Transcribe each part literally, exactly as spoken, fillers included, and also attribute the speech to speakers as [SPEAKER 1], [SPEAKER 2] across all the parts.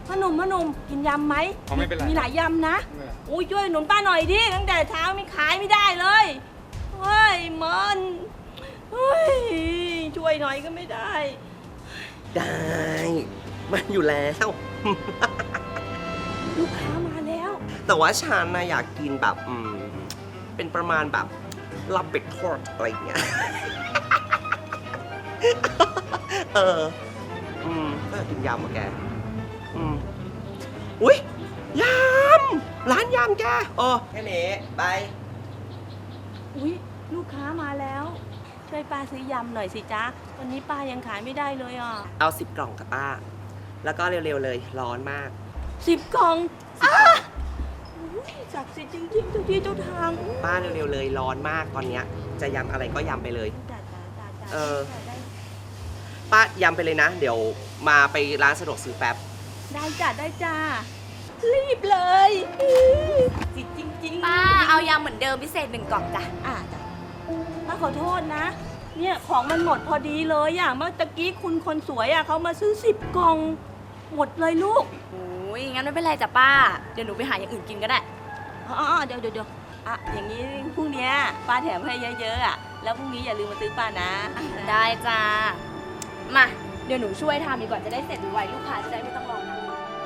[SPEAKER 1] พ่อหนุ่มพ่อหนุ่มกินยำไหม
[SPEAKER 2] ไม่เป็นไร
[SPEAKER 1] มีหลายยำนะอุ้ยช่วยหนุนป้าหน่อยดิตั้งแต่เช้าไม่ขายไม่ได้เลยเฮ้ยมันเฮ้ยช่วยหน่อยก็ไม่ได้
[SPEAKER 3] ได้มันอยู่แล้ว
[SPEAKER 1] ลูกค้ามาแล้ว
[SPEAKER 3] แต่ว่าฉันนะอยากกินแบบอืมเป็นประมาณแบบลาบเป็ดทอดอะไรอย่างเงี้ย เออ อืมก็อยากกินยำอะแก อืมอุ้ยยำร้านยำแกเออแค่นี้ไป
[SPEAKER 1] อุ้ยลูกค้ามาแล้วช่วยป้าซื้อยำหน่อยสิจ๊ะวันนี้ป้ายังขายไม่ได้เลยอ่ะ
[SPEAKER 3] เอาสิบกล่องกับป้า แล้วก็เร็วๆเลยร้อนมาก
[SPEAKER 1] สิบกล่องอ้าอุ๊ยศักดิ์สิทธิ์จริงๆเจ้าที่เจ้าทาง
[SPEAKER 3] ป้าเร็วๆเลยร้อนมากตอนเนี้ยจะยำอะไรก็ยำไปเลย
[SPEAKER 1] จ้าจ้าจ้าจ้า
[SPEAKER 3] เออ
[SPEAKER 1] ได้
[SPEAKER 3] ป้ายำไปเลยนะ เดี๋ยวมาไปร้านสะดวกซื้อแป๊บ
[SPEAKER 1] ได้จ้าได้จ้ารีบเลยจิตจริงๆ
[SPEAKER 4] ป้าเอายำเหมือนเดิมพิเศษหนึ่งกล่องจ้ะ
[SPEAKER 1] อ่าจ้ะป้าขอโทษนะ เนี่ยของมันหมดพอดีเลยอ่ะเมื่อตะกี้คุณคนสวยอ่ะเขามาซื้อสิบกล่องหมดเลยลูก
[SPEAKER 4] โอ้ยงั้นไม่เป็นไรจ้ะป้า เดี๋ยวหนูไปหาอย่างอื่นกินก็ได้
[SPEAKER 1] อ๋อเดี๋ยวเดี๋ยวเดี๋ยวอ่ะอย่างนี้พรุ่งนี้ป้าแถมให้เยอะๆอ่ะแล้วพรุ่งนี้อย่าลืมมาซื้อป้านะ
[SPEAKER 4] ได้จ้า มา เดี๋ยวหนูช่วยทำดีกว่าจะได้เสร็จไวๆลูกค้าจะได้ไม่ต้องรอนาน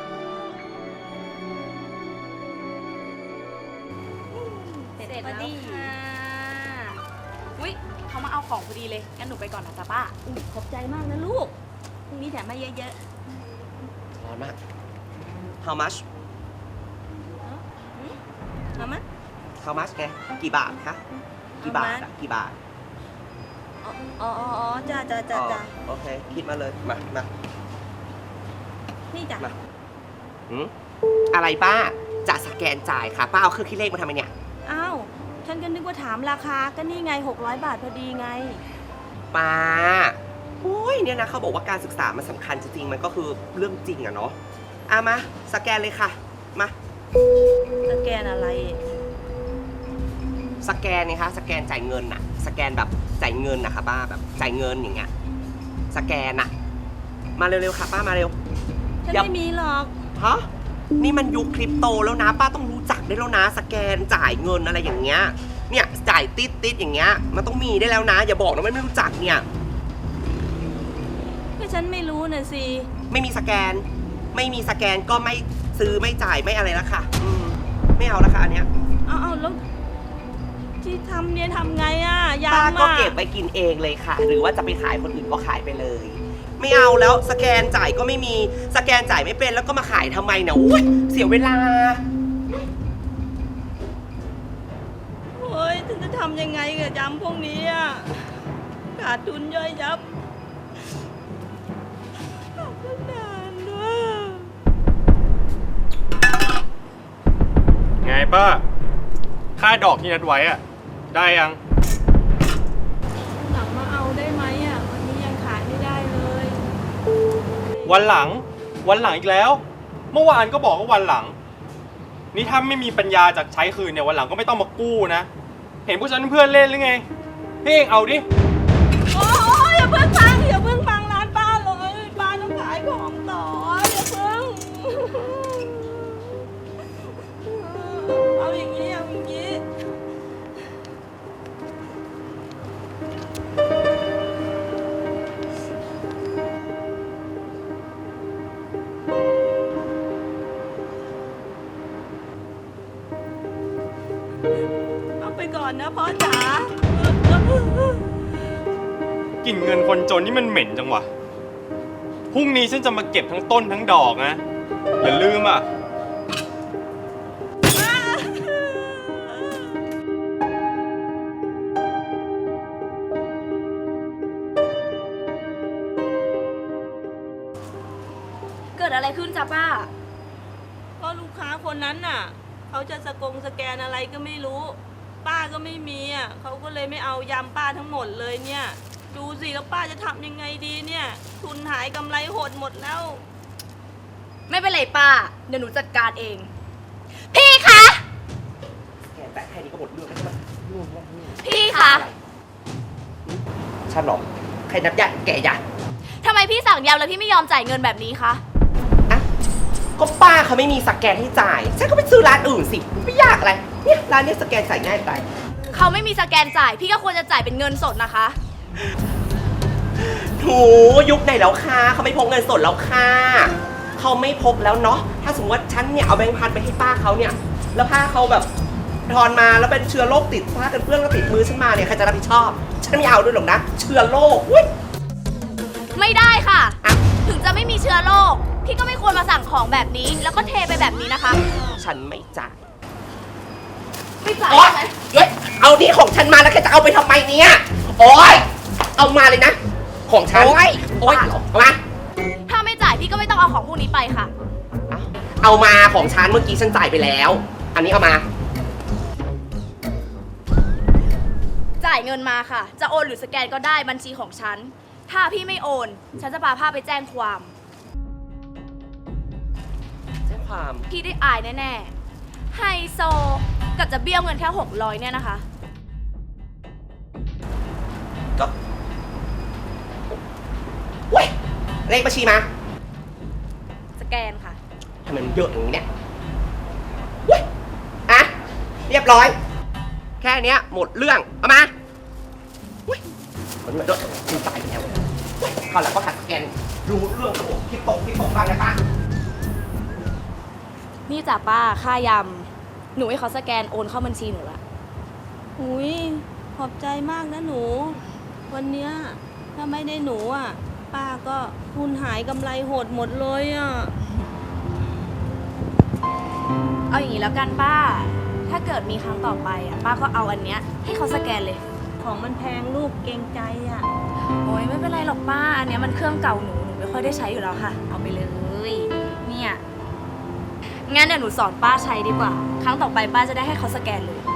[SPEAKER 4] เสร็จแล้วค่ะอุ้ยเขามาเอาของพอดีเลย งั้นหนูไปก่อนนะจ๊ะป้า
[SPEAKER 1] อุ๊ยขอบใจมากนะลูกพรุ่งนี้แถมให้เยอะ
[SPEAKER 3] ร้อนมาก how much
[SPEAKER 1] ๆเอามา
[SPEAKER 3] how much แกกี่บาทคะกี่บาทอะกี่บาท
[SPEAKER 1] อ๋ออ๋ออ๋อจ้าจ้าจ้าจ้า
[SPEAKER 3] อ๋อโอเค คิดมาเลย มามา
[SPEAKER 1] นี่จ้ะ
[SPEAKER 3] มาหืมอะไรป้า จะสแกนจ่ายค่ะ ป้าเอาเครื่องคิดเลขมาทำไมเนี่ย
[SPEAKER 1] อ้าวฉันก็นึกว่าถามราคาก็นี่ไงหกร้อยบาทพอดีไง
[SPEAKER 3] ป้าโอ้ยเนี่ยนะเขาบอกว่าการศึกษามันสำคัญจริงๆ มันก็คือเรื่องจริงอะเนาะอ่ะมา สแกนเลยค่ะ มา
[SPEAKER 1] สแกนอะไร
[SPEAKER 3] สแกนไงคะ สแกนจ่ายเงินอะสแกนแบบจ่ายเงินนะคะป้าแบบจ่ายเงินอย่างเงี้ย สแกนอะมาเร็วๆค่ะ ป้ามาเร็ว
[SPEAKER 1] ฉัน
[SPEAKER 3] อย่า
[SPEAKER 1] ไม่มีหรอก
[SPEAKER 3] ฮะนี่มันยุคคริปโตแล้วนะ ป้าต้องรู้จักได้แล้วนะ สแกนจ่ายเงินอะไรอย่างเงี้ย เนี่ยจ่ายติดติดๆอย่างเงี้ย มันต้องมีได้แล้วนะ อย่าบอกนะว่าไม่รู้จักเนี่ย
[SPEAKER 1] ก็ฉันไม่รู้น่ะสิ
[SPEAKER 3] ไม่มีสแกน ไม่มีสแกนก็ไม่ซื้อไม่จ่ายไม่อะไรแล้วค่ะอืมไม่เอาแล้วค่ะอันเนี้ย
[SPEAKER 1] เอาเอาแล้วที่ทำเนี่ยทำไงอ่ะยา
[SPEAKER 3] ป้า
[SPEAKER 1] มา
[SPEAKER 3] ก็เก็บไปกินเองเลยค่ะ หรือว่าจะไปขายคนอื่นก็ขายไปเลย ไม่เอาแล้วสแกนจ่ายก็ไม่มีสแกนจ่ายไม่เป็นแล้วก็มาขายทำไมเนี่ยอุ๊ยเสียเวลา
[SPEAKER 1] โอ้ยฉันจะทำยังไงกับยำพวกนี้อ่ะขาดทุนย่อยยับขาดทุนนานด้วย
[SPEAKER 2] ไงป้า ค่าดอกที่นัดไว้อะได้ยัง
[SPEAKER 1] หลังมาเอาได้ไหมอ่ะวันนี้ยังขายไม่ได้เลย
[SPEAKER 2] วันหลัง วันหลังอีกแล้ว เมื่อวานก็บอกว่าวันหลัง นี่ถ้าไม่มีปัญญาจากใช้คืนเนี่ยวันหลังก็ไม่ต้องมากู้นะ เห็นพวกฉันเพื่อนเล่นหรือไงให้เองเอาดิ
[SPEAKER 1] โอ้ยอย่าเพิ่งพังอย่าเพิ่งพังร้านป้าเลยป้าต้องขายของต่ออย่าเพิ่งเอาอย่างนี้เอาอย่างนี้เอาไปก่อนนะพ่อจ๋า
[SPEAKER 2] กลิ่นเงินคนจนนี่มันเหม็นจังวะ พรุ่งนี้ฉันจะมาเก็บทั้งต้นทั้งดอกนะ อย่าลืมอ่ะ
[SPEAKER 4] เกิดอะไรขึ้นจ้ะป้า
[SPEAKER 1] ก็ลูกค้าคนนั้นน่ะเขาจะสกงสแกนอะไรก็ไม่รู้ ป้าก็ไม่มีอ่ะเขาก็เลยไม่เอายำป้าทั้งหมดเลยเนี่ย ดูสิแล้วป้าจะทำยังไงดีเนี่ย ทุนหายกำไรหดหมดแล้ว
[SPEAKER 4] ไม่เป็นไรป้า เดี๋ยวหนูจัดการเอง พี่คะ
[SPEAKER 3] แกแตะแค่นี้ก็หมดเรื่องแล้วใช่ไหม
[SPEAKER 4] พี่คะ
[SPEAKER 3] ฉันหรอใครนับยะแกยะ
[SPEAKER 4] ทำไมพี่สั่งยำแล้วพี่ไม่ยอมจ่ายเงินแบบนี้คะ
[SPEAKER 3] อะก็ป้าเขาไม่มีสแกนให้จ่ายฉันก็ไปซื้อร้านอื่นสิไม่ยากอะไรเนี่ยร้านเนี้ยสแกนจ่ายง่ายไป
[SPEAKER 4] เขาไม่มีสแกนจ่าย พี่ก็ควรจะจ่ายเป็นเงินสดนะคะ
[SPEAKER 3] ถูยุคไหนแล้วค่ะเขาไม่พกเงินสดแล้วค่ะเขาไม่พกแล้วเนาะถ้าสมมติว่าฉันเนี่ยเอาแบงค์พันไปให้ป้าเขาเนี่ยแล้วป้าเขาแบบทอนมาแล้วเป็นเชื้อโรคติดผ้ากันเปื้อนแล้วติดมือฉันมาเนี่ยใครจะรับผิดชอบฉันไม่เอาด้วยหรอกนะเชื้อโรคอุ้ย
[SPEAKER 4] ไม่ได้ค่ะ
[SPEAKER 3] อ่ะ
[SPEAKER 4] ถึงจะไม่มีเชื้อโรค พี่ก็ไม่ควรมาสั่งของแบบนี้ แล้วก็เทไปแบบนี้นะคะ
[SPEAKER 3] ฉันไม่จ่าย
[SPEAKER 4] ไม่จ่าย
[SPEAKER 3] โอ๊ย
[SPEAKER 4] ใช่ไหม
[SPEAKER 3] เฮ้ยเอานี่ของฉันมาแล้วแกจะเอาไปทำไมเนี่ยโอ๊ยเอามาเลยนะของฉันโอ๊ยโอ๊ยเอามา
[SPEAKER 4] ถ้าไม่จ่ายพี่ก็ไม่ต้องเอาของพวกนี้ไปค่ะ
[SPEAKER 3] เอามาของฉันเมื่อกี้ฉันจ่ายไปแล้ว อันนี้เอามา
[SPEAKER 4] จ่ายเงินมาค่ะ จะโอนหรือสแกนก็ได้บัญชีของฉัน ถ้าพี่ไม่โอน ฉันจะพาผ้าไปแจ้งความ
[SPEAKER 3] แจ้งความ
[SPEAKER 4] พี่ได้อายแน่ๆ ไฮโซกับจะเบี้ยวเงินแค่หกร้อยเนี่ยนะคะ
[SPEAKER 3] ก็เว้ยเลขบัญชีมา
[SPEAKER 4] สแกนค่ะ
[SPEAKER 3] ทำไมมันเยอะอย่างนี้เนี่ยเว้ยอ่ะเรียบร้อย แค่เนี้ยหมดเรื่อง เอามาเว้ยมันมาด้วยคุณจ่ายไปแล้วเว้ยคราวหลังก็หัดสแกนรู้เรื่องระบบคิดตกคิดตกบ้างนะป้า
[SPEAKER 4] นี่จ้ะป้า ค่ายำ หนูให้เขาสแกนโอนเข้าบัญชีหนูละ
[SPEAKER 1] อุ้ยขอบใจมากนะหนู วันเนี้ยถ้าไม่ได้หนูอ่ะ ป้าก็ทุนหายกำไรหดหมดเลยอ่ะ
[SPEAKER 4] เอาอย่างนี้แล้วกันป้า ถ้าเกิดมีครั้งต่อไปอ่ะ ป้าก็เอาอันเนี้ยให้เขาสแกนเลย
[SPEAKER 1] ของมันแพงลูกเกรงใจอ่ะ
[SPEAKER 4] โอ้ยไม่เป็นไรหรอกป้า อันเนี้ยมันเครื่องเก่าหนู หนูไม่ค่อยได้ใช้อยู่แล้วค่ะ เอาไปเลย เนี่ย งั้นเดี๋ยวหนูสอนป้าใช้ดีกว่า ครั้งต่อไปป้าจะได้ให้เขาสแกนเลย